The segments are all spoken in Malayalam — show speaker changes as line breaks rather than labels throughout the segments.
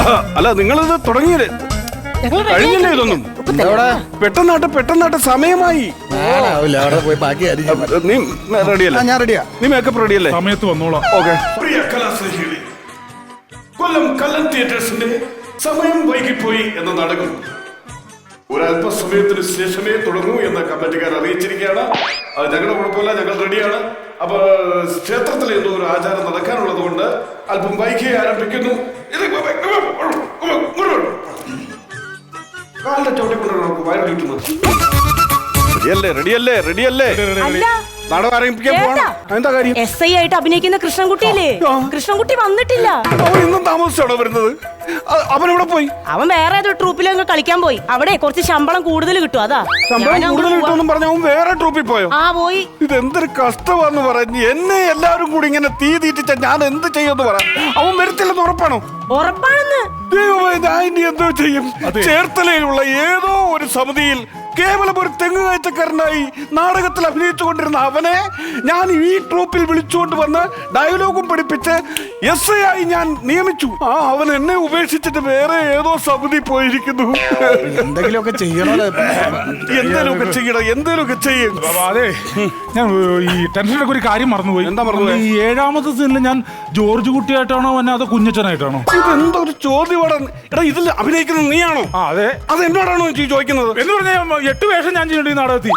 അല്ല നിങ്ങളിത് തുടങ്ങിയത് കഴിഞ്ഞില്ലേ ഇതൊന്നും? പെട്ടെന്നാട്ട് സമയമായി. നീ റെഡിയല്ലേ?
ഞാൻ റെഡിയാ.
നീ മേക്കപ്പ് റെഡിയല്ലേ?
സമയത്ത് വന്നോളാം.
ഓക്കെ. പ്രിയ കലാസ്നേഹികളെ, കൊല്ലം കല്ലൻ തിയേറ്റേഴ്സിന്റെ സമയം വൈകിപ്പോയി എന്ന നാടകം ഒരല്പസമയത്തിന് ശേഷമേ തുടങ്ങൂ എന്ന കമ്മിറ്റിക്കാർ അറിയിച്ചിരിക്കുകയാണ്. അത് ഞങ്ങളുടെ കുഴപ്പമില്ല, ഞങ്ങൾ റെഡിയാണ്. അപ്പൊ ക്ഷേത്രത്തിൽ എന്തോ ഒരു ആചാരം നടക്കാനുള്ളത് കൊണ്ട് അല്പം വൈകി ആരംഭിക്കുന്നു. കാലിന്റെ ചവിട്ടിക്കൊണ്ടാണ് നമുക്ക് വയറ് കിട്ടുന്നത്. റെഡിയല്ലേ? നാടകം ആരംഭിക്കാൻ പോവാണ്. എന്താ കാര്യം?
SI ആയിട്ട് അഭിനയിക്കുന്ന കൃഷ്ണൻകുട്ടിയില്ലേ? കൃഷ്ണൻകുട്ടി വന്നിട്ടില്ല.
അവൻ ഇന്നും താമസിച്ചാണോ വരുന്നത്? അവൻ എവിടെ പോയി?
അവൻ വേറെ ഏതോ ട്രൂപ്പിലൊക്കെ കളിക്കാൻ പോയി. അവിടെ കുറച്ച് ശമ്പളം കൂടുതൽ കിട്ടും. അതാ
ശമ്പളം കൂടുതൽ കിട്ടുമെന്നും പറഞ്ഞ അവൻ വേറെ ട്രൂപ്പിൽ പോയോ?
ആ പോയി.
ഇതെന്തൊരു കഷ്ടമാന്ന് പറഞ്ഞ് എന്നെ എല്ലാവരും കൂടി ഇങ്ങനെ തീറ്റിച്ച ഞാൻ എന്ത് ചെയ്യുമെന്ന് പറ. അവൻ വരത്തില്ലെന്ന് ഉറപ്പാണോ?
ഉറപ്പാണെന്ന്.
ഞാൻ ഇനി എന്തോ ചെയ്യും? ചേർത്തലയിലുള്ള ഏതോ ഒരു സമിതിയിൽ കേവലം ഒരു തെങ്ങ് കയറ്റക്കാരനായി നാടകത്തിൽ അഭിനയിച്ചുകൊണ്ടിരുന്ന അവനെ ഞാൻ ഈ ട്രൂപ്പിൽ വിളിച്ചുകൊണ്ട് വന്ന് ഡയലോഗും പഠിപ്പിച്ച് SI ആയി ഞാൻ നിയമിച്ചു. അവൻ എന്നെ ഉപേക്ഷിച്ചിട്ട് വേറെ ഏതോ സമിതി പോയിരിക്കുന്നു.
എന്തെങ്കിലുമൊക്കെ ചെയ്യണോ?
എന്തേലുമൊക്കെ ചെയ്യും.
അതെ, ഞാൻ ഈ ടെൻഷനൊക്കെ ഒരു കാര്യം മറന്നുപോയി.
എന്താ മറന്നുപോയി?
ഈ 7ാമത്തെ സീനിൽ ഞാൻ ജോർജ് കുട്ടിയായിട്ടാണോ അതോ കുഞ്ഞച്ചനായിട്ടാണോ?
ഇതെന്തോ ഒരു ചോദ്യമാണ്. എടാ, ഇതിൽ അഭിനയിക്കുന്നത് നീയാണോ?
അതെ.
അത് എന്നോടാണോ ചോദിക്കുന്നത്?
എന്ന് പറഞ്ഞാൽ 8 വേഷം ഞാൻ ചെയ്യേണ്ടി നാടകത്തിൽ.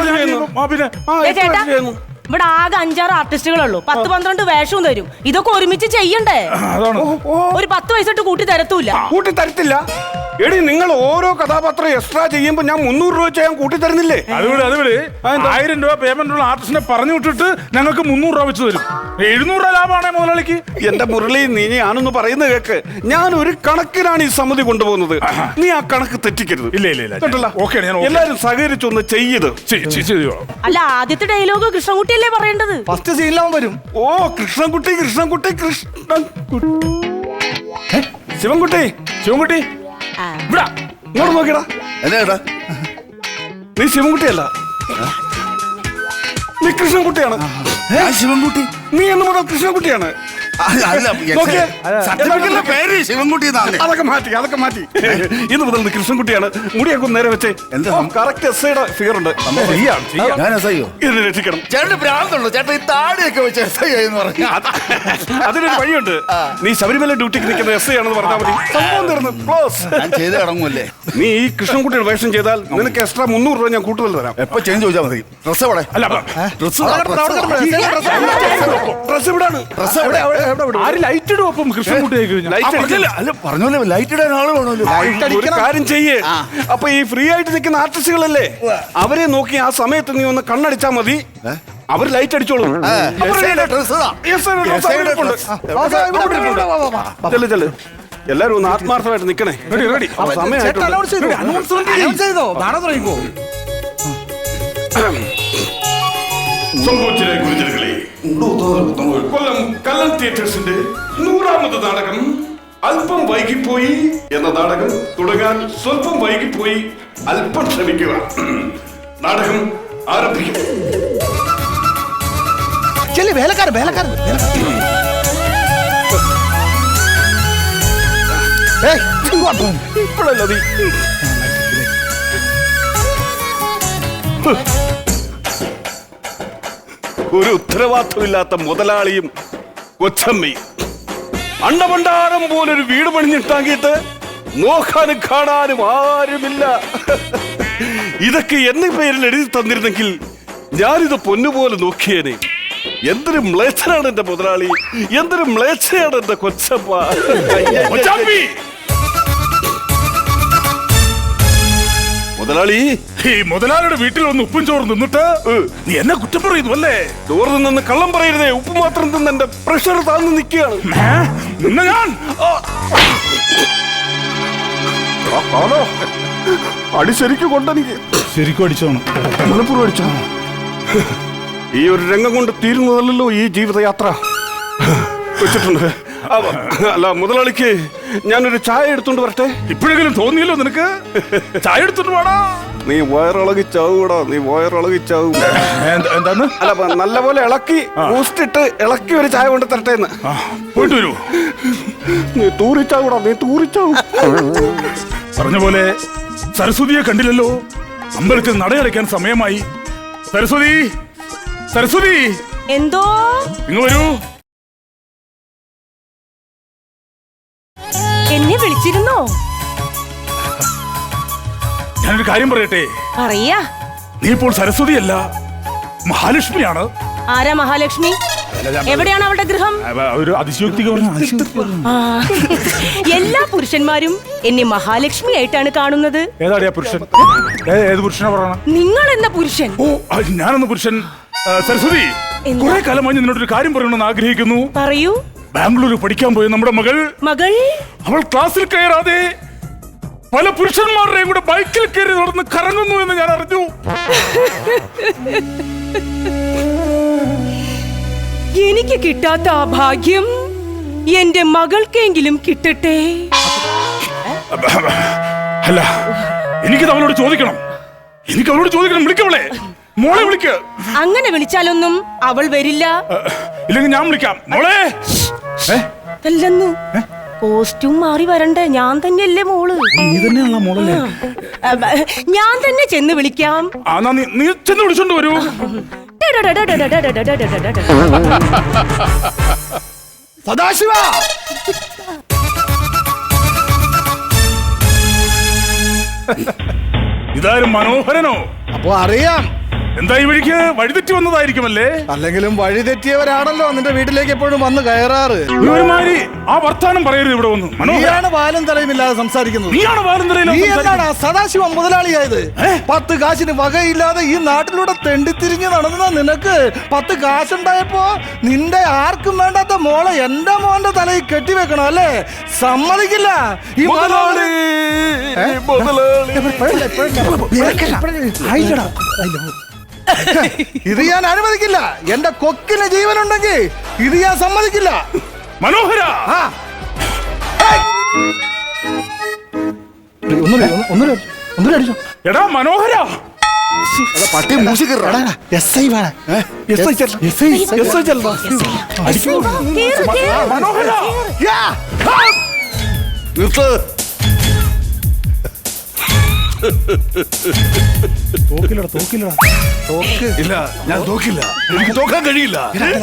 ഇവിടെ ആകെ 5-6 ആർട്ടിസ്റ്റുകളുള്ളൂ. 10-12 വേഷവും തരും. ഇതൊക്കെ ഒരുമിച്ച് ചെയ്യണ്ടേ?
അതാണ്.
ഒരു 10 പൈസ കൂട്ടി തരത്തൂല്ല.
കൂട്ടി തരത്തില്ല? എടി, നിങ്ങൾ ഓരോ കഥാപാത്രം എക്സ്ട്രാ ചെയ്യുമ്പോ ഞാൻ 300 രൂപ ചെയ്യാൻ കൂട്ടി തരുന്നില്ലേ?
അതുപോലെ 1000 രൂപ പേയ്മെന്റ് ഉള്ള ആർട്ടിസ്റ്റിനെ പറഞ്ഞു വിട്ടിട്ട് ഞങ്ങൾക്ക് 300 രൂപ വെച്ച് തരും. 700 രൂപ ലാഭമാണേ മുതലാളിക്ക്.
എന്റെ മുരളി, നീ ഞാനൊന്ന് പറയുന്നത് കേക്ക്. ഞാൻ ഒരു കണക്കിനാണ് ഈ സമിതി കൊണ്ടുപോകുന്നത്. നീ ആ കണക്ക് തെറ്റിക്കരുത്.
ഇല്ല.
എല്ലാരും സഹകരിച്ചൊന്ന് ചെയ്ത്.
അല്ല, ആദ്യത്തെ ഡയലോഗ് കൃഷ്ണൻകുട്ടിയല്ലേ പറയേണ്ടത്?
ഫസ്റ്റ് സീനിലാവും വരും.
ഓ, കൃഷ്ണൻകുട്ടി. ശിവൻകുട്ടി ഇങ്ങോട്ട് നോക്കിയടാ. നീ ശിവൻകുട്ടിയല്ല, നീ കൃഷ്ണൻകുട്ടിയാണ്.
ശിവൻകുട്ടി.
നീ എന്ന് മുതൽ കൃഷ്ണൻകുട്ടിയാണ്. അതൊക്കെ മാറ്റി ഇന്ന് മുതൽ കൃഷ്ണൻകുട്ടിയാണ്. മുടിയൊക്കെ ഒന്ന് നേരെ വെച്ചേ. കറക്റ്റ് SIയുടെ ഫിഗർ ഉണ്ട്. ഇതിനെ രക്ഷിക്കണം. അതിനൊരു വഴിയുണ്ട്. നീ ശബരിമല ഡ്യൂട്ടിക്ക് നിൽക്കുന്ന SI ആണെന്ന് പറഞ്ഞാൽ മതി. സംഭവം തീർന്നു. ക്ലോസ്. നീ ഈ കൃഷ്ണൻകുട്ടിയുടെ വേഷം ചെയ്താൽ നിനക്ക് എക്സ്ട്രാ 300 രൂപ ഞാൻ കൂടുതൽ തരാം.
എപ്പോ ചേഞ്ച് ചോദിച്ചാൽ മതി. ഡ്രസ് എവിടെ?
ഡ്രസ് ഇവിടാണ്.
ലൈറ്റ് ഇടും. അപ്പം
പറഞ്ഞോല്ലേ, ലൈറ്റ് ഇടാൻ ആള് വേണമല്ലോ.
ഒരു കാര്യം ചെയ്യേ. അപ്പൊ ഈ ഫ്രീ ആയിട്ട് നിൽക്കുന്ന ആർട്ടിസ്റ്റുകളല്ലേ, അവരെ നോക്കി ആ സമയത്ത് നീ ഒന്ന് കണ്ണടിച്ചാ മതി. അവർ ലൈറ്റ് അടിച്ചോളൂ. എല്ലാരും ഒന്ന് ആത്മാർത്ഥമായിട്ട് നിക്കണേ. കൊല്ലം കല്ലൻ തിയേറ്റേഴ്സിന്റെ 100ാമത് നാടകം അല്പം വൈകിപ്പോയി എന്ന നാടകം തുടങ്ങാൻ സ്വല്പം വൈകിപ്പോയി. അല്പം ക്ഷമിക്കുക. നാടകം ആരംഭിക്കും. ഇപ്പോഴല്ല നീ ഒരു ഉത്തരവാദിത്വമില്ലാത്ത മുതലാളിയും കൊച്ചമ്മയും അണ്ടഭണ്ഡാരം പോലൊരു വീട് പണിഞ്ഞിട്ടാക്കിയിട്ട് നോക്കാനും കാണാനും ആരുമില്ല. ഇതൊക്കെ എന്റെ പേരിൽ എഴുതി തന്നിരുന്നെങ്കിൽ ഞാനിത് പൊന്നുപോലെ നോക്കിയേനെ. എന്തൊരു മ്ലേച്ഛനാണ് എന്റെ മുതലാളി, എന്തൊരു മ്ലേച്ഛയാണ് എന്റെ കൊച്ചമ്മ. മുതലാളി,
ഈ മുതലാളിയുടെ വീട്ടിൽ ഒന്ന് ഉപ്പും ചോറ് നിന്നിട്ട് നീ എന്നെ കുറ്റം പറയുന്നു അല്ലേ?
ചോറ് നിന്ന് കള്ളം പറയരുതേ. ഉപ്പ് മാത്രം തിന്ന് എന്റെ പ്രഷർ താഴ്ന്നു നിൽക്കുകയാണ്.
ഞാൻ
അടി ശരിക്കും കൊണ്ടെനിക്ക്.
ശരിക്കും അടിച്ചോണം.
മലപ്പുറം അടിച്ചോ? ഈ ഒരു രംഗം കൊണ്ട് തീരുന്നതല്ലോ ഈ ജീവിതയാത്ര. വെച്ചിട്ടുണ്ട്. അല്ല മുതലാളിക്ക് ഞാനൊരു ചായ എടുത്തോണ്ട് വരട്ടെ?
ഇപ്പോഴെങ്കിലും തോന്നിയല്ലോ നിനക്ക്. ചായ എടുത്തോണ്ട് വേണോ?
നീ വയറിളകി ചാവൂടാ, നീ വയറിളകി ചാവും.
എന്താന്ന്?
അല്ല നല്ലപോലെ ഇളക്കി ബൂസ്റ്റിട്ട് ഇളക്കി ഒരു ചായ കൊണ്ട് തരട്ടെ എന്ന്.
പോയിട്ട് വരൂ.
നീ തൂറിച്ചാവൂടാ, നീ തൂറിച്ചാവും.
പറഞ്ഞ പോലെ സരസ്വതിയെ കണ്ടില്ലല്ലോ. അമ്പലത്തിൽ നടയടയ്ക്കാൻ സമയമായി. സരസ്വതി, സരസ്വതി,
എന്തോ
ഇങ്ങ് വരൂ.
എന്നെ വിളിച്ചിരുന്നോ?
ഞാനൊരു കാര്യം പറയട്ടെ.
പറയാ.
നീ ഇപ്പോൾ സരസ്വതിയല്ല, മഹാലക്ഷ്മിയാണ്.
ആരാ മഹാലക്ഷ്മി? എവിടെയാണ് അവളുടെ ഗൃഹം?
ഒരു അതിശയോക്തിക
ആ, എല്ലാ പുരുഷന്മാരും എന്നെ മഹാലക്ഷ്മി ആയിട്ടാണ് കാണുന്നത്.
ഏതാടിയാ പുരുഷൻ? ഏത് പുരുഷനാ പറയണ?
നിങ്ങൾ എന്ന പുരുഷൻ.
ഓ, ഞാനെന്ന പുരുഷൻ. സരസ്വതി,
എന്താ?
കുറെ കാലമായി നിന്നോടൊരു കാര്യം പറയണമെന്ന് ആഗ്രഹിക്കുന്നു.
പറയൂ.
ബാംഗ്ലൂർ പഠിക്കാൻ പോയ നമ്മുടെ മകൾ അവൾ ക്ലാസ്സിൽ കയറാതെ പല പുരുഷന്മാരുടെയും കൂടെ ബൈക്കിൽ കയറി നടന്ന് കറങ്ങുന്നു എന്ന് ഞാൻ അറിഞ്ഞു.
എനിക്ക് കിട്ടാത്ത ആ ഭാഗ്യം എന്റെ മകൾക്കെങ്കിലും കിട്ടട്ടെ.
അല്ല, എനിക്കത് അവളോട് ചോദിക്കണം. വിളിക്കവളെ, മോളെ വിളിക്ക്.
അങ്ങനെ വിളിച്ചാലൊന്നും അവൾ വരില്ല.
ഇല്ലെങ്കിൽ ഞാൻ വിളിക്കാം. മോളെ.
അല്ലെന്നു കോസ്റ്റ്യൂം മാറി വരണ്ടേ? ഞാൻ തന്നെയല്ലേ മോള്?
നീ തന്നെയാണോ മോളല്ലേ?
ഞാൻ തന്നെ ചെന്ന് വിളിക്കാം.
നീ ചെന്ന് വിളിച്ചോണ്ട് വരൂ.
സദാശിവ,
ഇതാരും മനോഹരനോ?
അപ്പൊ അറിയാം.
എന്താ ഈ വഴിക്ക് വഴിതെറ്റി വന്നതായിരിക്കുമല്ലേ?
അല്ലെങ്കിലും വഴിതെറ്റിയവരാണല്ലോ നിന്റെ വീട്ടിലേക്ക് എപ്പോഴും വന്ന് കയറാറ്.
ഒരുമാതിരി ആ വർത്താനം പറയരുത് ഇവിടെ വന്ന്.
നീയാണ് വാലും തലയുമില്ലാതെ സംസാരിക്കുന്നത്.
നീയാണ്
നീ എന്താണ് സദാശിവം മുതലാളിയായത്? 10 കാശിന് വകയില്ലാതെ ഈ നാട്ടിലൂടെ തെണ്ടിത്തിരിഞ്ഞ് നടന്ന നിനക്ക് 10 കാശുണ്ടായപ്പോ നിന്റെ ആർക്കും വേണ്ടാത്ത മോളെ എന്റെ മോന്റെ തലയിൽ കെട്ടിവെക്കണം അല്ലേ? സമ്മതിക്കില്ല. ഈ ഇത് ഞാൻ അനുവദിക്കില്ല. എന്റെ കൊക്കിന് ജീവനുണ്ടെങ്കിൽ ഇത് ഞാൻ സമ്മതിക്കില്ല.
മനോഹര, എടാ മനോഹര,
പട്ടി മൂസിക്കറ
മനോഹര.
ഇല്ല, ഞാൻ തോക്കില്ല. എനിക്ക് തോക്കാൻ കഴിയില്ല.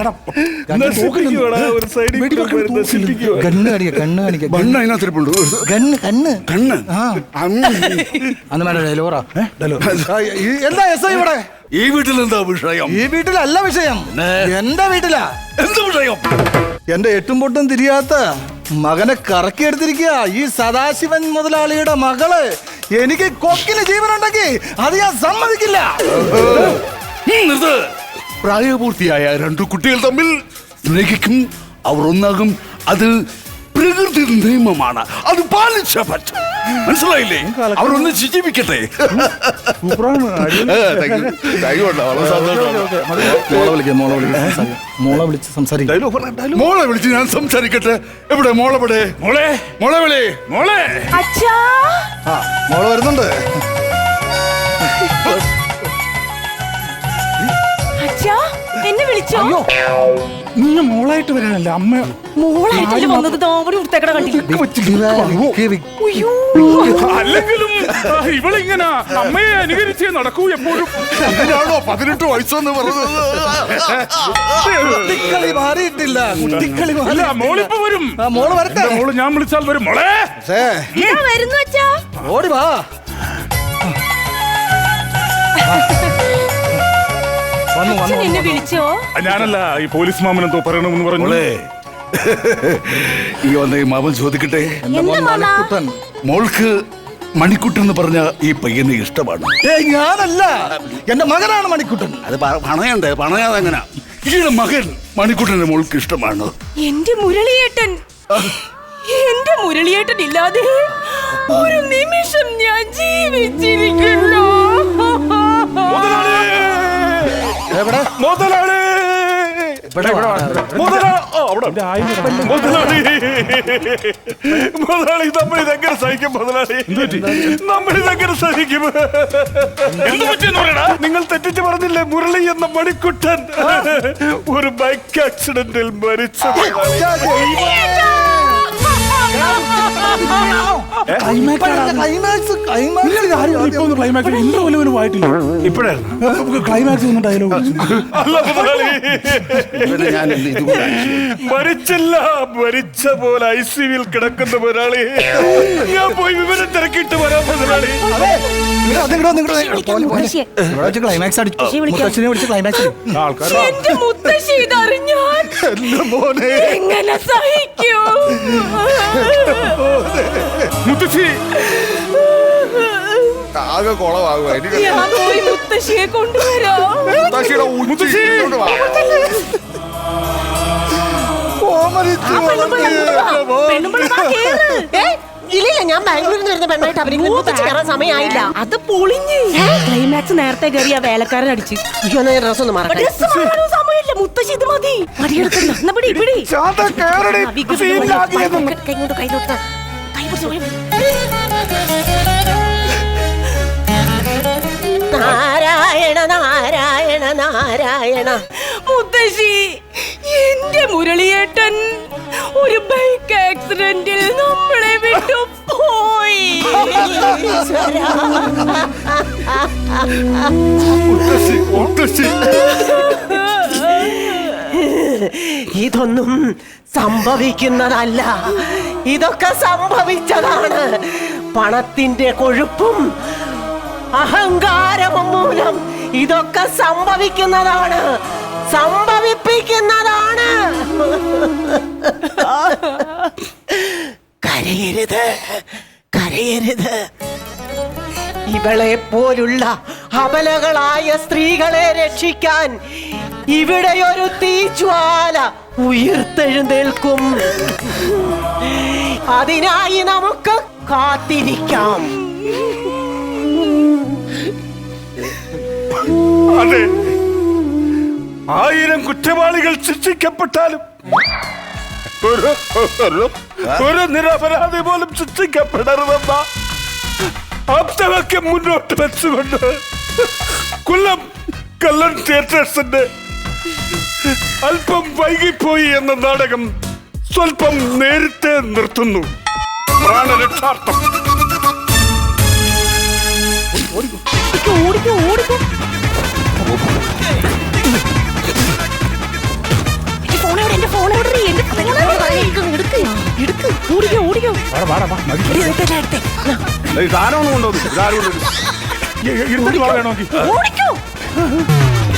എന്താ എസ് ഐ ഇവിടെ?
ഈ വീട്ടിൽ എന്താ വിഷയം?
ഈ വീട്ടിലല്ല വിഷയം, എന്റെ വീട്ടിലാ.
എന്ത് വിഷയം?
എന്റെ എട്ടും പൊട്ടും തിരിയാത്ത മകനെ കറക്കിയെടുത്തിരിക്കുക ഈ സദാശിവൻ മുതലാളിയുടെ മകള്. എനിക്ക് കൊക്കിന് ജീവനുണ്ടെങ്കിൽ അത് ഞാൻ സമ്മതിക്കില്ല.
പ്രായപൂർത്തിയായ 2 കുട്ടികൾ തമ്മിൽ സ്നേഹിക്കും, അവർ ഒന്നാകും. അത് പ്രകൃതി നിയമമാണ്, അത് പാലിച്ച പറ്റും. മനസ്സിലായില്ലേ? അവർ ഒന്ന് ജീവിക്കട്ടെ. മോളെ വിളിച്ച് ഞാൻ സംസാരിക്കട്ടെ. എവിടെ മോളെവിടെ?
മോളെ,
മോളെ വിളി.
മോളെ.
അച്ഛാ,
മോള് വരുന്നുണ്ട്.
അച്ഛാ, എന്നെ വിളിച്ചോ?
നീ മോളായിട്ട് വരാനല്ല, അമ്മ
മോളായിട്ടല്ലേ വന്നത്? താവടി ഉടുത്തേക്കട കണ്ടില്ല.
അല്ലെങ്കിലും ഇവളിങ്ങനെ അമ്മയെ അനുകരിച്ചേ നടക്കൂ എപ്പോഴും.
ഇതിനാണോ 18 വയസ്സെന്ന് പറഞ്ഞത്?
കുട്ടിക്കളി മാറിയിട്ടില്ല. കുട്ടിക്കളി
അല്ല, മോളിപ്പോ വരും.
മോള് വരട്ടെ.
മോള് ഞാൻ വിളിച്ചാൽ വരും. മോളെ
വരുന്നു അച്ഛാ.
ഓടി വാ.
അച്ഛൻ എന്നെ വിളിച്ചോ?
ഞാനല്ല, ഈ പോലീസ് മാമൻ എന്തോ പറയണമെന്ന് പറഞ്ഞു.
ഈ വന്ന ഈ മാമൻ ചോദിക്കട്ടെ. മോൾക്ക് മണിക്കുട്ടൻ എന്ന് പറഞ്ഞ ഈ പയ്യനെ ഇഷ്ടമാണ്?
ഞാനല്ല, എന്റെ മകനാണ് മണിക്കുട്ടൻ.
അത് പണയണ്ടേ? പണയാതെ എങ്ങനെ? ഈയുടെ മകൻ മണിക്കുട്ടന്റെ മോൾക്ക് ഇഷ്ടമാണ്.
എന്റെ മുരളിയേട്ടൻ, എന്റെ മുരളിയേട്ടൻ ഇല്ലാതെ ഒരു നിമിഷം ഞാൻ ജീവിച്ചിരിക്കുന്നു.
എവിടെ
മുതലാളി, മുതലാളി, നമ്മളിതെങ്ങനെ സഹിക്കും മുതലാളി? നമ്മളിതെങ്ങനെ സഹിക്കും? നിങ്ങൾ തെറ്റിച്ച് പറഞ്ഞില്ലേ മുരളി എന്ന മണിക്കുട്ടൻ ഒരു ബൈക്ക് ആക്സിഡന്റിൽ മരിച്ചു.
ക്ലൈമാക്സ് ഇന്റർവെല്ലുവിന് പോയിട്ടില്ല.
ഇപ്പോഴായിരുന്നു
ക്ലൈമാക്സ് ഒന്നും ഡയലോഗ്
അല്ല മുതലാളി,
ഇവനെ ഞാൻ ഇന്ന് ഇതുകൊണ്ടാണ്
മരിച്ചില്ല, മരിച്ച പോലെ ICUവിൽ കിടക്കുന്ന മുതലാളി. ഞാൻ പോയി വിവരം തിരക്കിയിട്ട് വരാം മുതലാളി.
ക്ലൈമാക്സ് മുത്തച്ഛനെ വിളിച്ച് ക്ലൈമാക്സ്
എന്റെ മുത്തശ്ശി ഇതറിഞ്ഞാൽ എങ്ങനെ സഹിക്കൂ?
മുത്തശ്ശി
ആകെ കുളമാകുക. എനിക്ക്
ഞാൻ പോയി മുത്തശ്ശിയെ കൊണ്ടുവരാം.
മുത്തശ്ശിയുടെ ഉച്ചി ഇങ്ങോട്ട് വാ.
ഇല്ല, ഞാൻ ബാംഗ്ലൂരിൽ നിന്ന് വരുന്ന പെണ്ണായിട്ട് അവർക്ക് കയറാൻ സമയമായില്ല.
അത് പൊളിഞ്ഞ് ക്ലൈമാക്സ് നേരത്തെ കയറി ആ വേലക്കാരൻ അടിച്ച്.
അയ്യോ, എന്നാ ഡ്രസ് ഒന്ന് മാറട്ടെ.
ഡ്രസ്സ് മാറാനോ സമയമില്ല, മുത്തശ്ശി ഇത് മതി. മടിയെടുക്കണ്ട, എന്നാ പിടി പിടി.
ശാന്ത കേറടി, സീനിലാക്കിയതും.
കൈകൊണ്ട് കൈ നാരായണ നാരായണ നാരായണ.
മുത്തശ്ശി, എന്റെ മുരളിയേട്ടൻ ഒരു ബൈക്ക് ആക്സിഡന്റിൽ നമ്മളെ വിട്ടു പോയി.
ഇതൊന്നും സംഭവിക്കുന്നതല്ല, ഇതൊക്കെ സംഭവിച്ചതാണ്. പണത്തിന്റെ കൊഴുപ്പും അഹങ്കാരവും മൂലം ഇതൊക്കെ സംഭവിക്കുന്നതാണ്, സംഭവിപ്പിക്കുന്നതാണ്. കരയരുത്, കരയരുത്. ഇവളെ പോലുള്ള അബലകളായ സ്ത്രീകളെ രക്ഷിക്കാൻ ഇവിടെയൊരു തീജ്വാല ഉയർത്തെഴുന്നേൽക്കും. അതിനായി നമുക്ക് കാത്തിരിക്കാം.
അതെ, 1000 കുറ്റവാളികൾ ശിക്ഷിക്കപ്പെട്ടാലും ഒരു നിരപരാധി പോലും ശിക്ഷിക്കപ്പെടരുതെന്ന ആപ്തവാക്യം മുന്നോട്ട് വെച്ചുകൊണ്ട് കൊല്ലം കല്ലൻ തിയേറ്റേഴ്സിന്റെ അല്പം വൈകിപ്പോയി എന്ന നാടകം സ്വല്പം നേരത്തെ നിർത്തുന്നു. പ്രാണരക്ഷാർത്ഥം.
ഓടിക്കോ ഓടിക്കോ. എന്റെ ഫോൺ എവിടെ? ഓടിക്കോ ഓടിക്കോ.
സാധനം കൊണ്ടുവന്നു.
വേണമെങ്കിൽ
ഓടിക്കോ.